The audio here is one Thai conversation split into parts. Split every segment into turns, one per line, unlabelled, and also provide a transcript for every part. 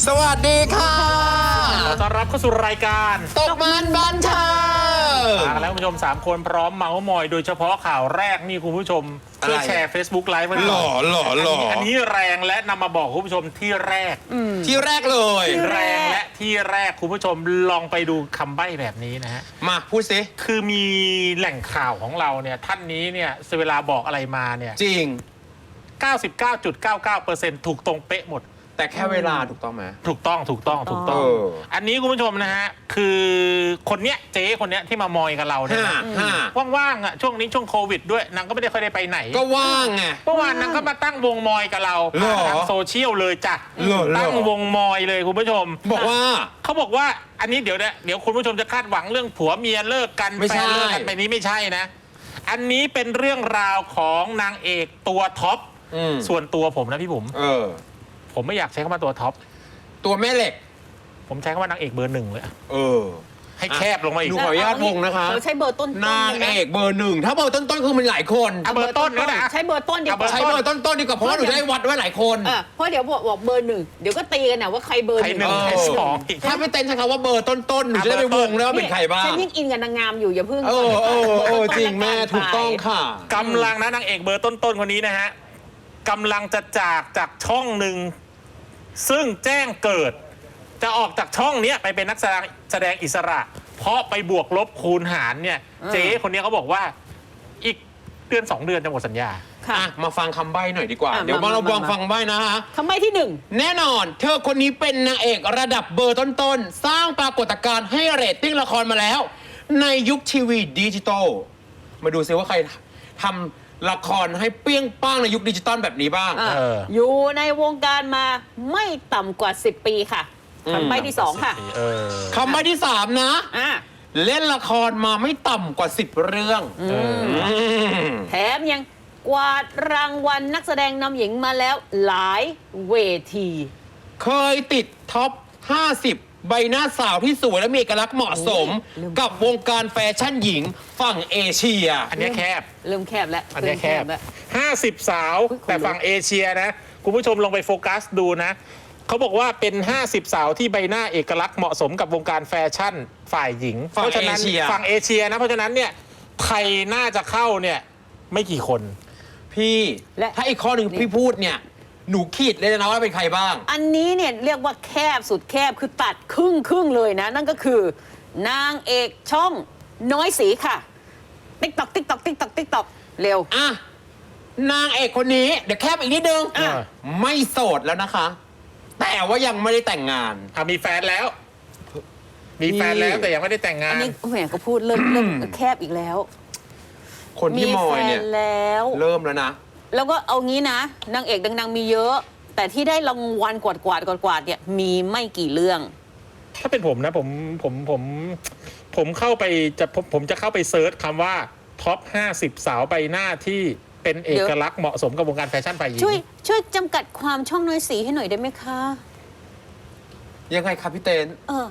สวัสดีค่ะ
ขอต้อนรับเข้าสู่รายการ
ตกมันบันเทิง
มากันแล้วคุณผู้ชม3คนพร้อมเมาส์มอยโดยเฉพาะข่าวแรกนี่คุณผู้ชมช่วยแชร์ Facebook Live ไว้หน่อยอันนี้แรงและนำมาบอกคุณผู้ชมที่แรก
เลย
แรงและที่แรกคุณผู้ชมลองไปดูคำใบ้แบบนี้นะฮะ
มาพูดสิ
คือมีแหล่งข่าวของเราเนี่ยท่านนี้เนี่ยเวลาบอกอะไรมาเนี่ย
จริง
99.99% ถูกตรงเป๊ะหมด
แต่แค่เวลาถูกต้องไหม
ถูกต้องอันนี้คุณผู้ชมนะฮะคือคนเนี้ยเจ๊คนเนี้ยที่มามอยกับเราเนี่ยว่างๆอ่ะช่วงนี้ช่วงโควิดด้วยนางก็ไม่ได้ค่อยได้ไปไหน
ก็ว่างไง
เมื่อวานนางก็มาตั้งวงมอยกับเราทางโซเชียลเลยจ้ะตั้งวงมอยเลยคุณผู้ชม
บอกว่า
เขาบอกว่าอันนี้เดี๋ยวคุณผู้ชมจะคาดหวังเรื่องผัวเมียเลิกกันแฟนเลิกกันไปนี้ไม่ใช่นะอันนี้เป็นเรื่องราวของนางเอกตัวท็อปส่วนตัวผมนะพี่ผมไม่อยากใช้คำว่าตัวท็อป
ตัวแม่เหล็ก
ผมใช้คำว่านางเอกเบอร์ 1เลยให้แคบลงมาอีก
ดูขออนุญาตวงนะคะ
ใช้เบอร์ต้น
นางเอกเบอร์ 1ถ้าเบอร์ต้นคือมันหลายคน
เบอร์ต้นก็ได้
ใช้เบอร์ต้นดีกว่า
ใช้เบอร์ต้นดีกว่าเพราะว่าหนูได้วัดไว้หลายคน
เพราะเดี๋ยวบอกเบอร์ 1เดี๋ยวก็ตีกันนะว่าใครเบอร์ 1
ใคร2
ถ้าไม่เต้นใช้คำว่าเบอร์ต้นหนูจะได้ไปวงแล้วว่าเป็นใครบ้าง
ฉันยิ่งอินกับนางงามอยู่อย่าเพิ่ง
จริงแม่ถูกต้องค่ะ
กำลังนะนางเอกเบอร์ต้นคนนี้นะฮะกำลังจะจากช่องหนึ่งซึ่งแจ้งเกิดจะออกจากช่องนี้ไปเป็นนักแสดงอิสระเพราะไปบวกลบคูณหารเนี่ยเจ๊คนนี้เขาบอกว่าอีกเดือน2 เดือนจะหมดสัญญา
มาฟังคำใบ้หน่อยดีกว่าเดี๋ยวเราฟังใบ้นะฮะ
คำใบ้ที่1
แน่นอนเธอคนนี้เป็นนางเอกระดับเบอร์ต้นสร้างปรากฏการณ์ให้เรตติ้งละครมาแล้วในยุคทีวีดิจิตอลมาดูซิว่าใครทำละครให้เปี้ยงป้างในยุคดิจิตอลแบบนี้บ้าง
อยู่ในวงการมาไม่ต่ำกว่า10 ปีค่ะคำใบ้ที่2ค่ะ
คำใบ้ที่3นะเล่นละครมาไม่ต่ำกว่า10 เรื่อง
แถมยังกวาดรางวัลนักแสดงนำหญิงมาแล้วหลายเวที
เคยติดท็อป50ใบหน้าสาวที่สวยและมีเอกลักษณ์เหมาะสมกับวงการแฟชั่นหญิงฝั่งเอเชีย
อันนี้แคบ
เริ่มแคบแล้ว
อันนี้แคบ50 สาวแต่ฝั่งเอเชียนะคุณผู้ชมลองไปโฟกัสดูนะเขาบอกว่าเป็น50 สาวที่ใบหน้าเอกลักษณ์เหมาะสมกับวงการแฟชั่นฝ่ายหญิงเพราะฉะนั้นฝั่งเอเชียนะเพราะฉะนั้นเนี่ยไทยน่าจะเข้าเนี่ยไม่กี่คน
พี่และถ้าอีกข้อหนึ่งพี่พูดเนี่ยหนูขีดเลยนะว่าเป็นใครบ้าง
อันนี้เนี่ยเรียกว่าแคบสุดแคบคือตัดครึ่งเลยนะนั่นก็คือนางเอกช่องน้อยสีค่ะติ๊กตอกเร็ว
นางเอกคนนี้เดี๋ยวแคบอีกนิดนึงไม่โสดแล้วนะคะแต่ว่ายังไม่ได้แต่งงาน
มีแฟนแล้วแต่ยังไม่ได้แต่งงาน
อันนี้แหมก็พูดเริ่มแคบอีกแล้ว
คนที่มอยเนี่ย
แล้ว
เริ่มแล้วนะ
แล้วก็เอางี้นะนางเอกดังๆมีเยอะแต่ที่ได้รางวัลกวาดเนี่ยมีไม่กี่เรื่อง
ถ้าเป็นผมนะผมเข้าไปผมจะเข้าไปเซิร์ชคำว่าท็อป50 สาวใบหน้าที่เป็นเอกลักษณ์เหมาะสมกับวงการแฟชั่นฝ่ายหญิง
ช่วยจำกัดความช่องน้อยสีให้หน่อยได้ไหมคะ
ยังไงครับพี่เต้น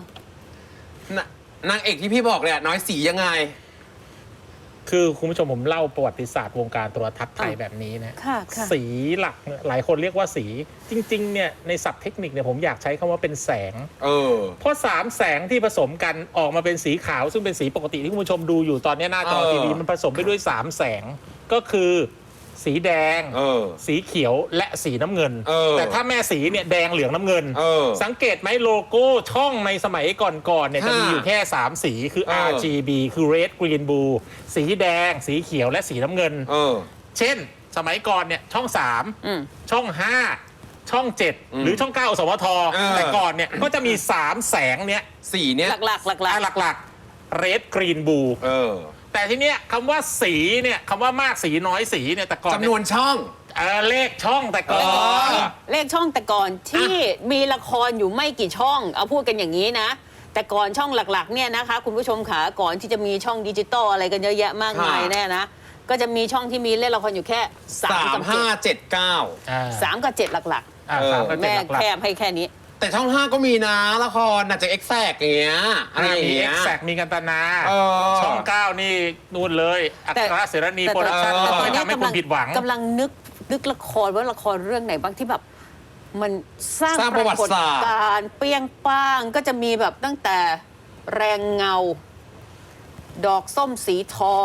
นางเอกที่พี่บอกเนี่ยน้อยสียังไง
คือคุณผู้ชมผมเล่าประวัติศาสตร์วงการโทรทัศน์ไทยแบบนี้นะสีหลักหลายคนเรียกว่าสีจริงๆเนี่ยในศัพท์เทคนิคเนี่ยผมอยากใช้คำว่าเป็นแสงเพราะ3 แสงที่ผสมกันออกมาเป็นสีขาวซึ่งเป็นสีปกติที่คุณผู้ชมดูอยู่ตอนนี้หน้าจอทีวีมันผสมไปด้วย3 แสงก็คือสีแดงสีเขียวและสีน้ำเงินแต่ถ้าแม่สีเนี่ยแดงเหลืองน้ำเงินสังเกตไหมโลโก้ช่องในสมัยก่อนๆเนี่ยจะมีอยู่แค่3 สีคือ RGB คือ Red Green Blue สีแดงสีเขียวและสีน้ำเงินเช่นสมัยก่อนเนี่ยช่อง3ช่อง5ช่อง7หรือช่อง9 สวทแต่ก่อนเนี่ยก็จะมี3 แสงเนี้ย
สีเนี้ย
หลัก
Red Green Blueแต่ทีเนี้ยคำว่าสีเนี่ยคำว่ามากสีน้อยสีเนี่ยแต่ก่อน
จำนวนช่อง
เลขช่องแต่ก่อน
เลขช่องแต่ก่อนที่มีละครอยู่ไม่กี่ช่องเอาพูดกันอย่างนี้นะแต่ก่อนช่องหลักๆเนี่ยนะคะคุณผู้ชมขาก่อนที่จะมีช่องดิจิตอลอะไรกันเยอะแยะมากมายแน่นะก็จะมีช่องที่มีเล่นละครอยู่แค่
3 กับ 5 7 9
3 กับ 7หลักๆแม่แคบให้แค่นี้
แต่ช่อง5ก็มีนะละครอาจจะเอ็กแซกอย่างเงี้ย
มีเอ็กแซกมีกันตนาช่อง9นี่นู่นเลยอัครเสรณีโปรดักชั่นทำให้คุณผิดหวัง
กำลังนึกละครว่าละครเรื่องไหนบ้างที่แบบมันสร้าง
ประวัติศาสตร์
การณ์เปรี้ยงป้างก็จะมีแบบตั้งแต่แรงเงา ดอกส้มสีทอง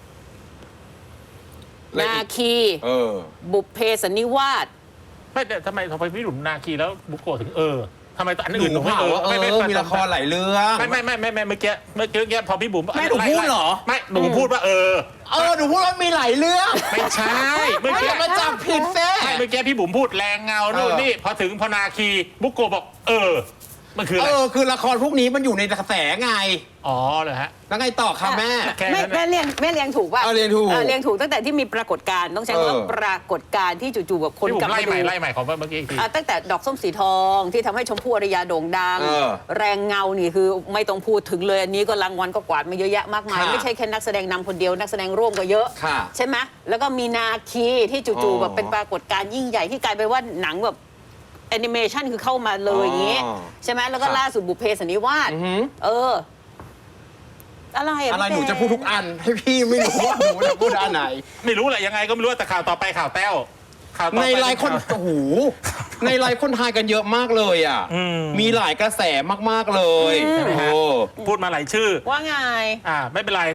นาคี บุพเพสันนิวาส
ไม่แต่ทำไมพี่หลุมนาคีแล้วบุโกะถึงทำไมตัวอัน
หนู
อื่น
เผาว่ามีละครหลายเรื่อง
ไม่เมื่อกี้พอพี่บุ๋ม
ไม่หนูพูดเหรอ
ไม่หนูพูดว่า
หนูพูดว่ามีหลายเรื่อง
ไม่ใช่เมื่อ
ไม่
กี้
อย่ามาจับผิดแท้
เมื่อกี้พี่บุ๋มพูดแรงเงานู่นนี่พอถึงพนาคีบุโกะบอกมันคืออะไร
คือละครพวกนี้มันอยู่ในกระแสไง
อ๋อเหรอฮะ
แล้วไงต่อคะแม่
แม่เรียงถูกป่ะ
เรียงถูก
เรียงถูกตั้งแต่ที่มีปรากฏการณ์ต้องใช้คำว่าปรากฏการณ์ที่จู่ๆแบบคน
พี่บุ๋
กลับ
ม
มาดู
ไล่ใหม่ของเมื่อกี้อีกที
ตั้งแต่ดอกส้มสีทองที่ทำให้ชมพู่อารยาโด่งดัง แรงเงานี่คือไม่ต้องพูดถึงเลยอันนี้ก็รางวัลก็กวาดมาเยอะแยะมากมาย ไม่ใช่แค่นักแสดงนำคนเดียวนักแสดงร่วมก็เยอะใช่ไหมแล้วก็มีนาคีที่จู่ๆแบบเป็นปรากฏการณ์ยิ่งใหญ่ที่กลายเป็นว่าหนังแบบแอนิเมชันคือเข้ามาเลยอย่างนี้ใช่ไหมแล้วก็ล่าสุดบุพเพสันนิวาสอะไร
หนูจะพูดทุกอันให้พี่ไม่รู้ว่าหนูจะพูดอันไหน
ไม่รู้แหละยังไงก็ไม่รู้แต่ข่าวต่อไปข่าวแต้ว
ในไลน์คนในไลน์คนทายกันเยอะมากเลยมีหลายกระแสมากๆเลย
พูดมาหลายชื่อ
ว่าไง
ไม่เป็นไร